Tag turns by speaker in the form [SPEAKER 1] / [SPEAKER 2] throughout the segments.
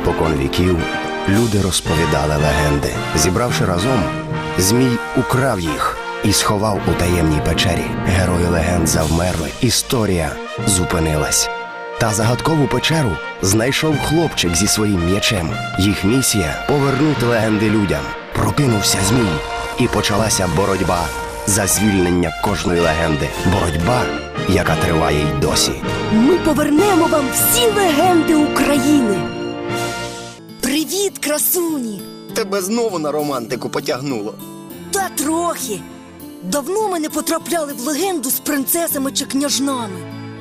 [SPEAKER 1] Спокон віків люди розповідали легенди. Зібравши разом, Змій украв їх і сховав у таємній печері. Герої легенд завмерли, історія зупинилась. Та загадкову печеру знайшов хлопчик зі своїм м'ячем. Їх місія – повернути легенди людям. Прокинувся Змій, і почалася боротьба за звільнення кожної легенди. Боротьба, яка триває й досі.
[SPEAKER 2] Ми повернемо вам всі легенди України. Привіт, красуні!
[SPEAKER 1] Тебе знову на романтику потягнуло.
[SPEAKER 2] Та трохи. Давно ми не потрапляли в легенду з принцесами чи княжнами.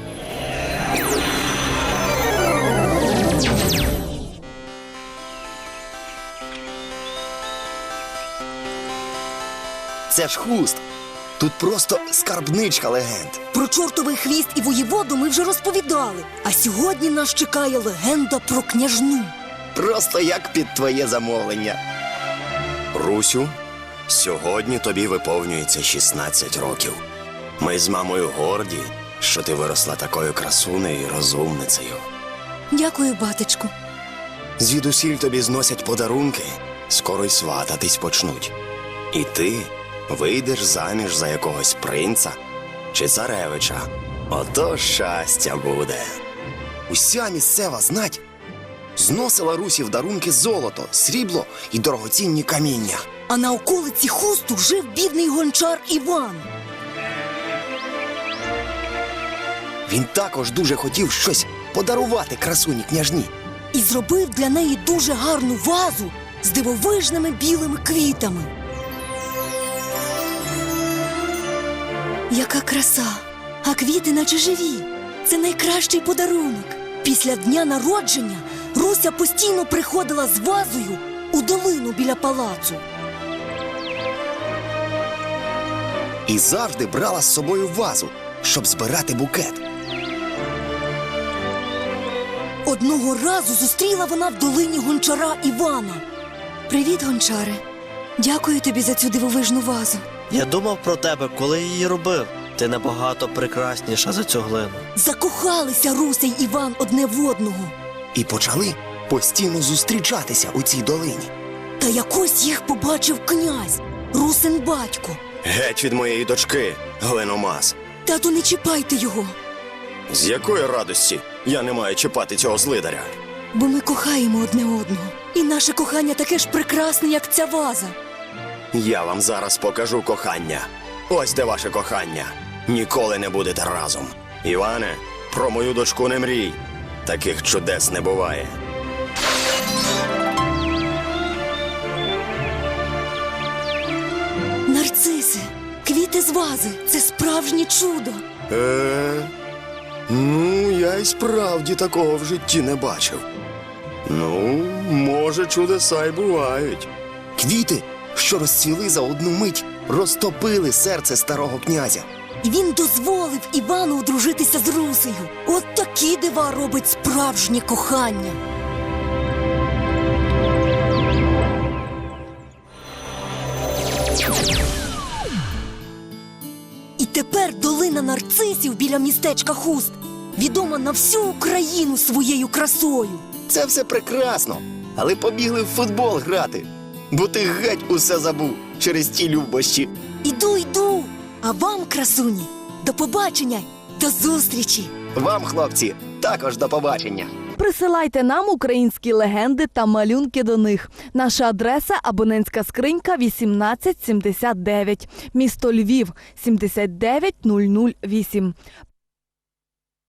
[SPEAKER 1] Це ж Хуст. Тут просто скарбничка легенд.
[SPEAKER 2] Про чортовий хвіст і воєводу ми вже розповідали. А сьогодні нас чекає легенда про княжну.
[SPEAKER 1] Просто як під твоє замовлення. Русю, сьогодні тобі виповнюється 16 років. Ми з мамою горді, що ти виросла такою красунею і розумницею.
[SPEAKER 2] Дякую, батечку.
[SPEAKER 1] Звідусіль тобі зносять подарунки, скоро й свататись почнуть. І ти вийдеш заміж за якогось принца чи царевича. Ото щастя буде. Уся місцева знать зносила Русі в дарунки золото, срібло і дорогоцінні каміння.
[SPEAKER 2] А на околиці Хусту жив бідний гончар Іван.
[SPEAKER 1] Він також дуже хотів щось подарувати красуні княжні.
[SPEAKER 2] І зробив для неї дуже гарну вазу з дивовижними білими квітами. Яка краса! А квіти наче живі. Це найкращий подарунок. Після дня народження Руся постійно приходила з вазою у долину біля палацу.
[SPEAKER 1] І завжди брала з собою вазу, щоб збирати букет.
[SPEAKER 2] Одного разу зустріла вона в долині гончара Івана. Привіт, гончаре. Дякую тобі за цю дивовижну вазу.
[SPEAKER 3] Я думав про тебе, коли її робив. Ти набагато прекрасніша за цю глину.
[SPEAKER 2] Закохалися Руся й Іван одне в одного.
[SPEAKER 1] І почали постійно зустрічатися у цій долині.
[SPEAKER 2] Та якось їх побачив князь, Русин батько.
[SPEAKER 1] Геть від моєї дочки, глиномаз.
[SPEAKER 2] Тату, не чіпайте його,
[SPEAKER 1] З якої радості я не маю чіпати цього злидаря?
[SPEAKER 2] бо ми кохаємо одне одного. І наше кохання таке ж прекрасне, як ця ваза.
[SPEAKER 1] Я вам зараз покажу кохання. Ось де ваше кохання. Ніколи не будете разом. Іване, про мою дочку не мрій. Таких чудес не буває.
[SPEAKER 2] Нарциси, квіти з вази – це справжнє чудо.
[SPEAKER 1] Ну, я й справді такого в житті не бачив. Ну, може, чудеса й бувають. Квіти, що розцвіли за одну мить, розтопили серце старого князя.
[SPEAKER 2] І він дозволив Івану одружитися з Русею. От такі дива робить справжнє кохання. І тепер долина нарцисів біля містечка Хуст відома на всю Україну своєю красою.
[SPEAKER 1] Це все прекрасно, але побігли в футбол грати, бо ти геть усе забув через ті любощі.
[SPEAKER 2] Іду. А вам, красуні, до побачення, до зустрічі.
[SPEAKER 1] Вам, хлопці, також до побачення.
[SPEAKER 4] Присилайте нам українські легенди та малюнки до них. Наша адреса – абонентська скринька 1879, місто Львів 79008.